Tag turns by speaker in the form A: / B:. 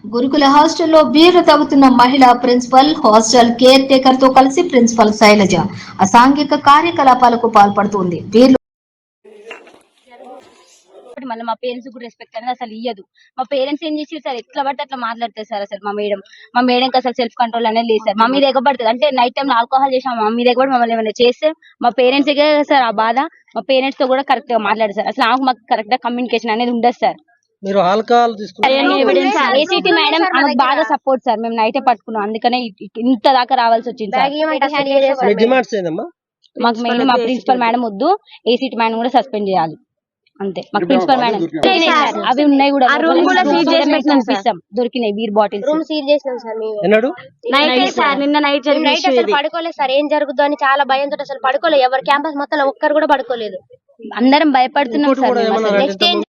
A: గురుకుల హాస్టల్లో బీరు తాగుతున్న మహిళా ప్రిన్సిపల్ హాస్టల్ కేర్ టేకర్ తో కలిసి ప్రిన్సిపల్ శైలజ అసాంఘిక కార్యకలాపాలకు పాల్పడుతోంది.
B: మళ్ళీ మా పేరెంట్స్ కూడా రెస్పెక్ట్ అనేది అసలు ఇయ్యదు. మా పేరెంట్స్ ఏం చేసి సార్ ఎట్లా పడితే అట్లా మాట్లాడతారు సార్. అసలు మా మేడంకి అసలు సెల్ఫ్ కంట్రోల్ అనేది లేదు సార్. మా మీద ఎగబడుతుంది అంటే నైట్ టైం ఆల్కహాల్ చేసాం మా మీద ఎగబడి మమ్మల్ని ఏమైనా చేస్తే మా పేరెంట్స్ సార్ ఆ బాధ. మా పేరెంట్స్ తో కూడా కరెక్ట్ గా మాట్లాడారు సార్. అసలు మాకు కరెక్ట్ గా కమ్యూనికేషన్ అనేది ఉండదు సార్.
C: మీరు ఆల్కహాల్
B: ఏసీటీ మేడం ఆమెకు బాగా సపోర్ట్ సార్. మేము నైటే పట్టుకున్నాం, అందుకనే ఇంత దాకా రావాల్సి వచ్చింది సార్. మాకు మెయిన్ మా ప్రిన్సిపల్ మేడం వద్దు, ఏసీటీ మేడం కూడా సస్పెండ్ చేయాలి అంతే. మాకు ప్రిన్సిపల్ మేడం అవి ఉన్నాయి కూడా దొరికినాయి బీర్ బాటిల్స్.
D: రూమ్ సీల్ చేసినాం సార్. నిన్న నైట్ అసలు పడుకోలేదు సార్. ఏం జరుగుతుందో అని చాలా భయంతో అసలు పడుకోలేదు. ఎవరు క్యాంపస్ మొత్తం ఒక్కరు కూడా పడుకోలేదు.
B: అందరం భయపడుతున్నాం సార్.